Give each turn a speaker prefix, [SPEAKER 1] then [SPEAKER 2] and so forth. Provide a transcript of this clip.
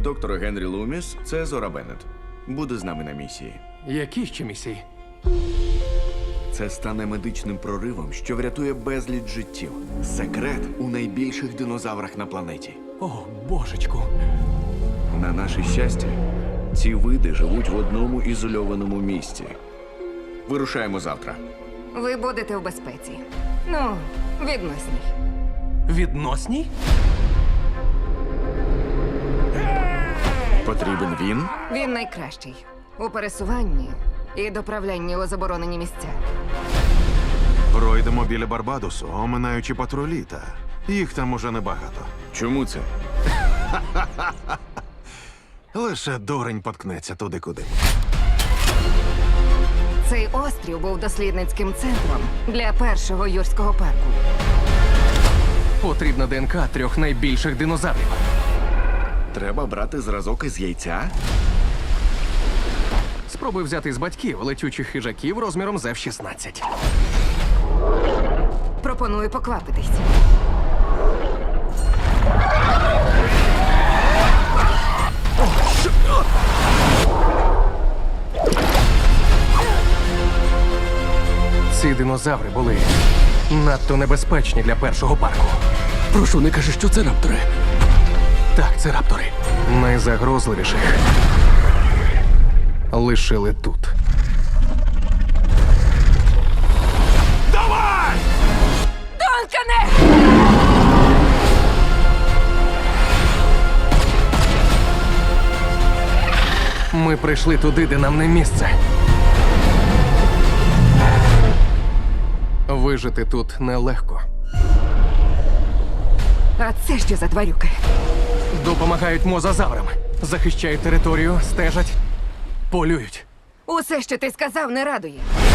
[SPEAKER 1] Доктор Генрі Луміс, це Зора Беннет. Буде з нами на місії.
[SPEAKER 2] Які ще місії?
[SPEAKER 1] Це стане медичним проривом, що врятує безліч життів. Секрет у найбільших динозаврах на планеті.
[SPEAKER 2] О, божечку.
[SPEAKER 1] На наше щастя, ці види живуть в одному ізольованому місці. Вирушаємо завтра.
[SPEAKER 3] Ви будете в безпеці. Ну, відносній.
[SPEAKER 2] Відносній?
[SPEAKER 1] Потрібен він?
[SPEAKER 3] Він найкращий у пересуванні і доправлянні у заборонені місця.
[SPEAKER 4] Пройдемо біля Барбадосу, оминаючи патрулі, та їх там уже небагато.
[SPEAKER 1] Чому це?
[SPEAKER 4] Лише дурень поткнеться туди, куди.
[SPEAKER 3] Цей острів був дослідницьким центром для першого юрського парку.
[SPEAKER 2] Потрібна ДНК 3 найбільших динозаврів.
[SPEAKER 1] Треба брати зразок із яйця?
[SPEAKER 2] Спробуй взяти з батьків летючих хижаків розміром з F-16.
[SPEAKER 3] Пропоную поквапитись.
[SPEAKER 2] Ці динозаври були надто небезпечні для першого парку.
[SPEAKER 5] Прошу, не кажи, що це раптори.
[SPEAKER 2] Так, це раптори. Найзагрозливіших лишили тут.
[SPEAKER 3] Донкане!
[SPEAKER 2] Ми прийшли туди, де нам не місце. Вижити тут нелегко.
[SPEAKER 3] А це що за тварюки?
[SPEAKER 2] Допомагають мозазаврам. Захищають територію, стежать, полюють.
[SPEAKER 3] Усе, що ти сказав, не радує.